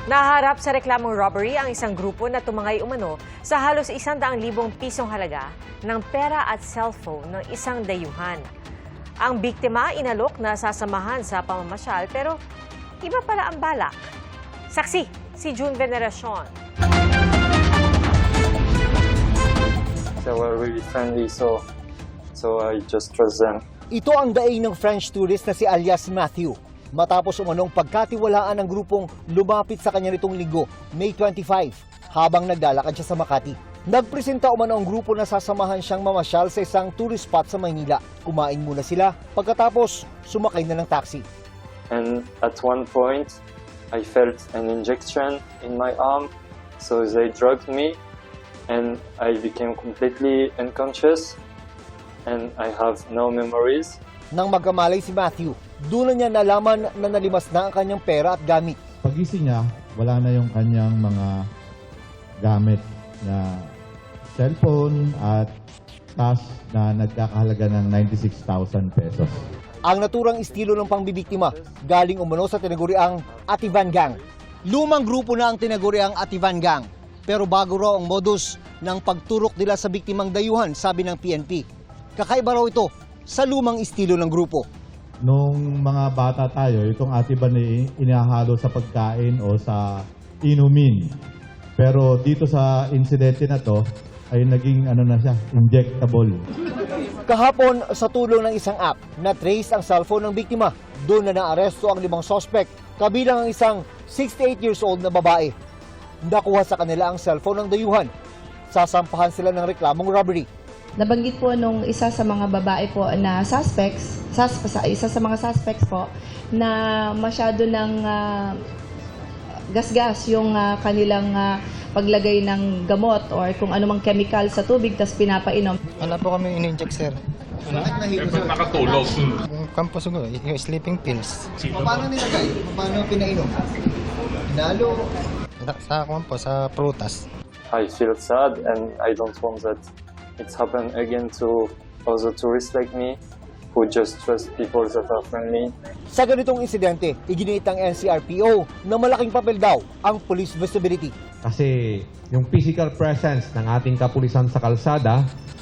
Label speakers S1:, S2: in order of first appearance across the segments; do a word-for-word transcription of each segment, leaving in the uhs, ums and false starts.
S1: Naharap sa reklamong robbery ang isang grupo na tumangay umano sa halos isang daang libong pisong halaga ng pera at cellphone ng isang dayuhan. Ang biktima inalok na sasamahan sa pamamasyal pero iba pala ang balak. Saksi, si June Veneracion.
S2: They were really friendly, so, so I just trust them.
S3: Ito ang daing ng French tourist na si alias Matthew. Matapos umanong pagkatiwalaan ng grupong lumapit sa kanya nitong linggo, May twenty-five, habang naglalakad siya sa Makati. Nagpresenta umano ang grupo na sasamahan siyang mamasyal sa isang tourist spot sa Maynila. Kumain muna sila, pagkatapos sumakay na ng taxi.
S2: And at one point, I felt an injection in my arm, so they drugged me, and I became completely unconscious, and I have no memories.
S3: Nang magkamalay si Matthew, doon na niya nalaman na nalimas na ang kanyang pera at gamit.
S4: Pagising niya, wala na yung kanyang mga gamit na cellphone at cash na nagkakahalaga ng ninety-six thousand pesos.
S3: Ang naturang estilo ng pangbibiktima galing umano sa tinaguriang Ativan Gang. Lumang grupo na ang tinaguriang Ativan Gang. Pero bago raw ang modus ng pagturok nila sa biktimang dayuhan, sabi ng P N P. Kakaiba raw ito sa lumang estilo ng grupo.
S4: Nung mga bata tayo, itong Ativan ay inahalo sa pagkain o sa inumin. Pero dito sa insidente na to, ay naging ano na siya, injectable.
S3: Kahapon, sa tulong ng isang app, na-trace ang cellphone ng biktima. Doon na naaresto ang limang suspect, kabilang ang isang sixty-eight years old na babae. Nakuha sa kanila ang cellphone ng dayuhan. Sasampahan sila ng reklamong robbery.
S5: Nabanggit po nung isa sa mga babae po na suspects, sus, isa sa mga suspects po, na masyado ng uh, gasgas yung uh, kanilang uh, paglagay ng gamot or kung anumang chemical sa tubig tas pinapainom.
S6: Wala po kami in-inject, sir.
S7: Bakit nakatulog?
S6: Yung kampo siguro, yung sleeping pills.
S3: Paano nilagay? Paano pinainom? Nalo?
S6: Sa kampo, sa prutas.
S2: I feel sad, and I don't want that it's happened again to other tourists like me who just trust people that are friendly.
S3: Sa ganitong insidente, iginiit ng N C R P O na malaking papel daw ang police visibility.
S8: Kasi yung physical presence ng ating kapulisan sa kalsada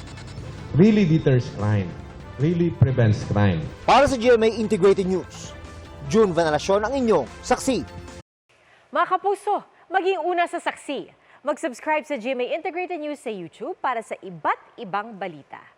S8: really deters crime, really prevents crime.
S3: Para sa G M A Integrated News, June Veneracion ang inyong saksi.
S1: Mga kapuso, maging una sa saksi. Mag-subscribe sa G M A Integrated News sa YouTube para sa iba't ibang balita.